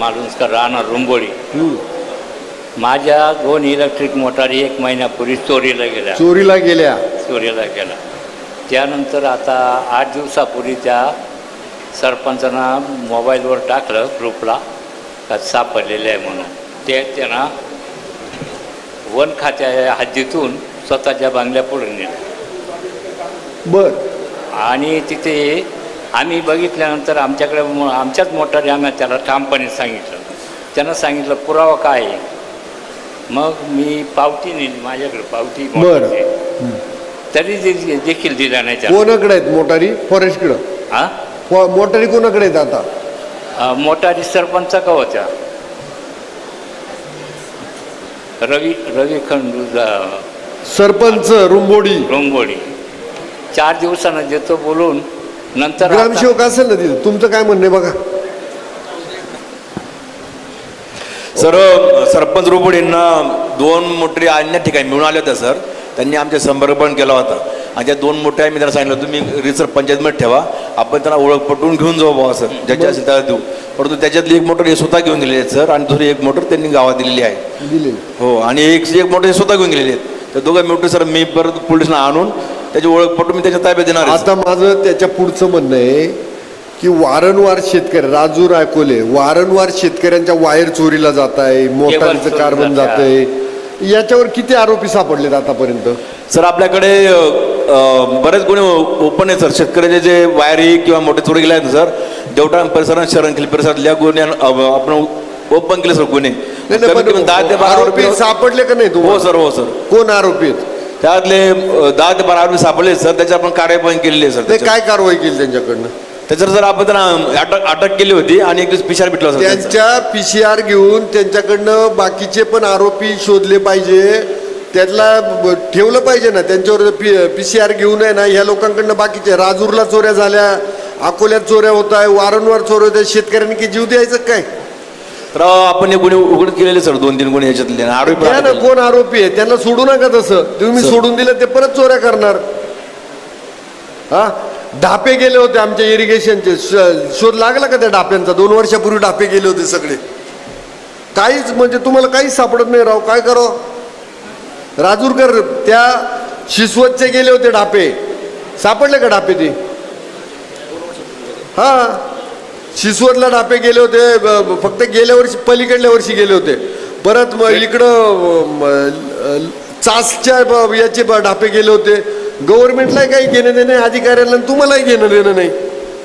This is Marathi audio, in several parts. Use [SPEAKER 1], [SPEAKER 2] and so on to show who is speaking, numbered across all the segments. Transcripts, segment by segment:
[SPEAKER 1] मालुंजकर राहणार रुंबोळी. माझ्या 2 इलेक्ट्रिक मोटारी 1 महिन्यापूर्वी चोरीला गेल्या. त्यानंतर आता 8 दिवसापूर्वी त्या सरपंचानं मोबाईलवर टाकलं ग्रुपला का सापडलेलं आहे म्हणून. ते त्यांना वन खात्या हद्दीतून स्वतःच्या बांगल्यापुढे नेलं.
[SPEAKER 2] बरं.
[SPEAKER 1] आणि तिथे आम्ही बघितल्यानंतर आमच्याच मोटारी आम्ही त्याला ठामपणे सांगितलं. त्यानं सांगितलं पुरावा काय आहे. मग मी पावती नेली, माझ्याकडे पावती तरी देखील दिला नाही.
[SPEAKER 2] कोणाकडे आहेत मोटारी? फॉरेस्टकडं.
[SPEAKER 1] हां,
[SPEAKER 2] मोटारी कोणाकडे आहेत आता?
[SPEAKER 1] मोटारी सरपंच का होत्या? रवी खंडू
[SPEAKER 2] सरपंच रुंबोडी.
[SPEAKER 1] 4 दिवसानं देतो बोलून. नंतर
[SPEAKER 2] ग्रामसेवक असेल ना तिथं. तुमचं काय म्हणणं आहे बघा.
[SPEAKER 3] सर, सरपंच रुंबोडींना 2 मोटरी अन्य ठिकाणी मिळून आल्या होत्या सर. त्यांनी आमच्या संपर्क पण केला होता आणि त्या 2 मोटरी मी त्यांना सांगितलं तुम्ही रिसर पंचायतमध्ये ठेवा, आपण त्यांना ओळख पटवून घेऊन जाऊ बाबा सर, ज्याच्या असेल त्याला देऊ. परंतु त्याच्यातली 1 मोटर हे स्वतः घेऊन गेलेले आहेत सर आणि दुसरी 1 मोटर त्यांनी गावात दिलेली आहे. हो, आणि एक मोटर हे स्वतः घेऊन गेलेले आहेत. तर 2 मोटर सर मी परत पोलिसांना आणून त्याची ओळख पटवून मी त्याच्या ताब्यात देणार.
[SPEAKER 2] आता माझं त्याच्या पुढचं म्हणणं आहे की वारंवार शेतकरी, राजूर अकोले, वारंवार शेतकऱ्यांच्या वायर चोरीला जात आहे, मोटारीचं कार्बन जात आहे. याच्यावर किती आरोपी सापडलेत आतापर्यंत?
[SPEAKER 3] सर आपल्याकडे बरेच गुन्हे ओपन आहेत सर. शेतकऱ्याचे जे वायरी किंवा मोठे चोरी गेले आहेत सर, देवटा परिसरात, शरणखिल परिसरातल्या गुन्हे आपण ओपन केले सर गुन्हे.
[SPEAKER 2] 10 ते 12 आरोपी सापडले का नाही?
[SPEAKER 3] हो सर, हो सर.
[SPEAKER 2] कोण आरोपी आहेत?
[SPEAKER 3] त्यातले 10 ते 12 आरोपी सापडले सर. त्याच्यावर आपण कार्यवाही केलेली आहे सर.
[SPEAKER 2] काय कारवाई केली त्यांच्याकडनं?
[SPEAKER 3] त्याच्यावर सर आपण त्यांना अटक केली होती आणि एक दिवस PCR भेटला सर.
[SPEAKER 2] त्यांच्या PCR घेऊन त्यांच्याकडनं बाकीचे पण आरोपी शोधले पाहिजे, त्यातला ठेवलं पाहिजे ना. त्यांच्यावर PCR घेऊन आहे ना. ह्या लोकांकडनं बाकीचे, राजूरला चोऱ्या झाल्या, अकोल्यात चोऱ्या होत आहे, वारंवार चोऱ्या होत आहे. शेतकऱ्यांनी की जीव द्यायचं काय?
[SPEAKER 3] तर आपण हे गुन्हे उघड केलेले सर, 2-3 गुन्हे याच्यातले आरोपी.
[SPEAKER 2] ना कोण आरोपी आहे त्यांना सोडू नका. तसं तुम्ही सोडून दिलं ते परत चोऱ्या करणार. हा, ढापे गेले होते आमच्या इरिगेशनचे, शोध लागला का त्या ढाप्यांचा? 2 वर्षापूर्वी ढापे गेले होते सगळे. काहीच म्हणजे तुम्हाला काहीच सापडत नाही राव. काय करावं? राजूरकर त्या शिसवतचे गेले होते ढापे, सापडले का ढापे ते? हा, शिसवतला ढापे गेले होते, फक्त गेल्या वर्षी, पलीकडल्या वर्षी गेले होते. परत इकडं चासच्या याचे ढापे गेले होते. गव्हर्नमेंटला काही घेणं देणं, अधिकाऱ्यांना तुम्हालाही घेणं देणं नाही.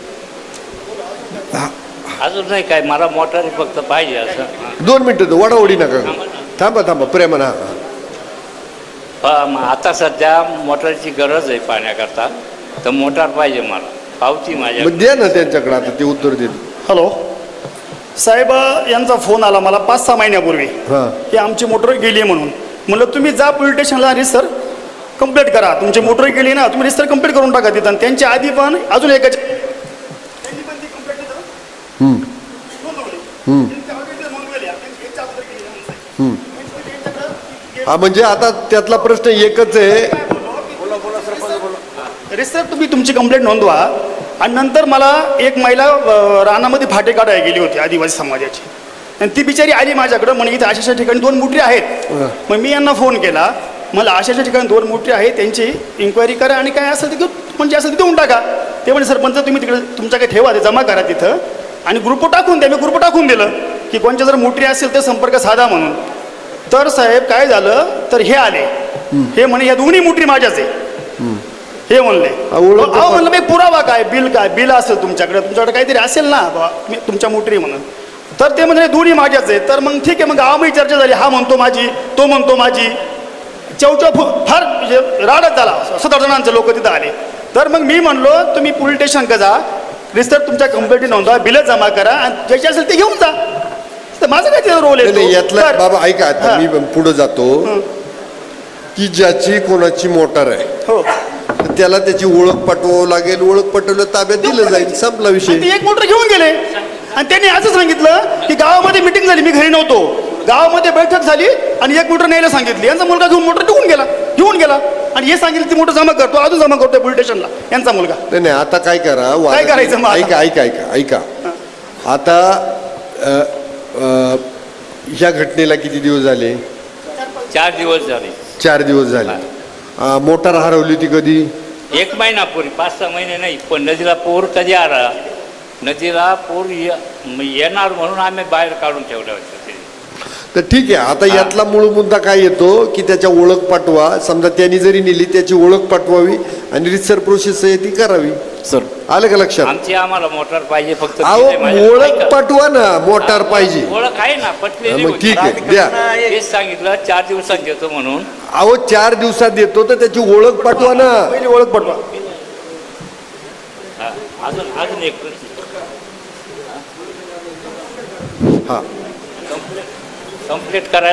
[SPEAKER 1] अजून नाही काय, मला मोटारी फक्त पाहिजे. असं
[SPEAKER 2] 2 मिनिटं वडावडी नका, थांबा प्रेमाना.
[SPEAKER 1] आता सध्या मोटारची गरज आहे पाण्याकरता, तर मोटार पाहिजे मला. पावती माझ्या
[SPEAKER 2] द्या ना त्यांच्याकडे, आता ते उत्तर देत.
[SPEAKER 4] हॅलो साहेब, यांचा फोन आला मला 5-6 महिन्यापूर्वी की आमची मोटर गेली म्हणून. म्हणलं तुम्ही जा पोलीस स्टेशनला रिसर कंप्लेंट करा. तुमची मोटर गेली ना, तुम्ही रिसर कंप्लेंट करून टाका तिथं. त्यांच्या आधी पण अजून एक
[SPEAKER 2] हा, म्हणजे आता त्यातला प्रश्न एकच आहे.
[SPEAKER 4] रिसर तुम्ही तुमची कंप्लेंट नोंदवा. आणि नंतर मला एक महिला रानामध्ये फाटे काढायला गेली होती आदिवासी समाजाची, आणि ती बिचारी आली माझ्याकडं. म्हणे इथे अशाच्या ठिकाणी 2 मोटरी आहेत. मग मी यांना फोन केला, मला अशाच्या ठिकाणी 2 मोटरी आहेत, त्यांची इन्क्वायरी करा आणि काय असेल ते म्हणजे असं ते देऊन टाका. ते म्हणजे सरपंच तुम्ही तिकडे तुमच्या काही ठेवा, ते जमा करा तिथं आणि ग्रुप टाकून द्या. मी ग्रुप टाकून दिलं की कोणच्या जर मोटरी असेल तर संपर्क साधा म्हणून. तर साहेब काय झालं, तर हे आले, हे म्हणे या 2 मोटरी माझ्याच आहे हे म्हणले. अहो म्हणलं मी पुरावा काय, बिल असेल तुमच्याकडे काहीतरी असेल ना तुमच्या मोटरी म्हणून. तर ते म्हणजे 2 माझ्याच आहे. तर मग ठीक आहे, मग गावामध्ये चर्चा झाली. हा म्हणतो माझी, तो म्हणतो माझी. चौचौ फार राडच झाला. 7-8 जणांचे लोक तिथं आले. तर मग मी म्हणलो तुम्ही पोलीस स्टेशनकडे जा, रिसर तुमच्या कंप्लेंटी नोंदवा, बिलं जमा करा आणि ज्याचे असेल ते घेऊन जा. तर माझं काय तिथं रोल आहे
[SPEAKER 2] यातला? बाबा ऐका, मी पुढे जातो की ज्याची कोणाची मोटार आहे,
[SPEAKER 4] हो,
[SPEAKER 2] त्याला त्याची ओळख पटवावं लागेल. ओळख पटवलं ताब्यात दिलं जाईल, संपला विषय.
[SPEAKER 4] एक मोटर घेऊन गेले आणि त्यांनी असं सांगितलं की गावामध्ये मिटिंग झाली, मी घरी नव्हतो, गावामध्ये बैठक झाली आणि 1 मोटर न्यायला सांगितली. यांचा मुलगा घेऊन मोटर घेऊन गेला आणि हे सांगितलं ती मोटर जमा करतो, अजून जमा करतोय पोलीस स्टेशनला यांचा मुलगा.
[SPEAKER 2] नाही, आता काय करा,
[SPEAKER 4] काय करायचं?
[SPEAKER 2] ऐका. आता ह्या घटनेला किती दिवस झाले?
[SPEAKER 1] 4 दिवस झाले.
[SPEAKER 2] 4 दिवस झाले. मोटार हरवली होती कधी?
[SPEAKER 1] 1 महिनापूर्वी, 5-6 महिने नाही. पण नदीला पूर कधी आला, नदीला पूर येणार म्हणून आम्ही बाहेर काढून ठेवलं होतं ते.
[SPEAKER 2] तर ठीक आहे, आता यातला मूळ मुद्दा काय येतो की त्याच्या ओळख पाठवा. समजा त्यांनी जरी नेली त्याची ओळख पाठवावी आणि रितसर प्रोसेस आहे ती करावी.
[SPEAKER 3] सर
[SPEAKER 2] आलं का लक्षात?
[SPEAKER 1] आमची आम्हाला मोटार पाहिजे फक्त.
[SPEAKER 2] अहो
[SPEAKER 1] ते माझ्या-
[SPEAKER 2] ओळख
[SPEAKER 1] ऐका.
[SPEAKER 2] पाठवा ना, मोटार पाहिजे.
[SPEAKER 1] ओळख आहे ना, पटलेली
[SPEAKER 2] मग
[SPEAKER 1] होती.
[SPEAKER 2] ठीक आहे, द्या.
[SPEAKER 1] तेच सांगितलं 4 दिवसात देतो म्हणून.
[SPEAKER 2] अहो 4 दिवसात देतो तर त्याची ओळख पाठवा ना.
[SPEAKER 4] पहिली ओळख पटवा.
[SPEAKER 1] हा, अजून एक प्रश्न.
[SPEAKER 2] हा
[SPEAKER 1] कंप्लीट करायला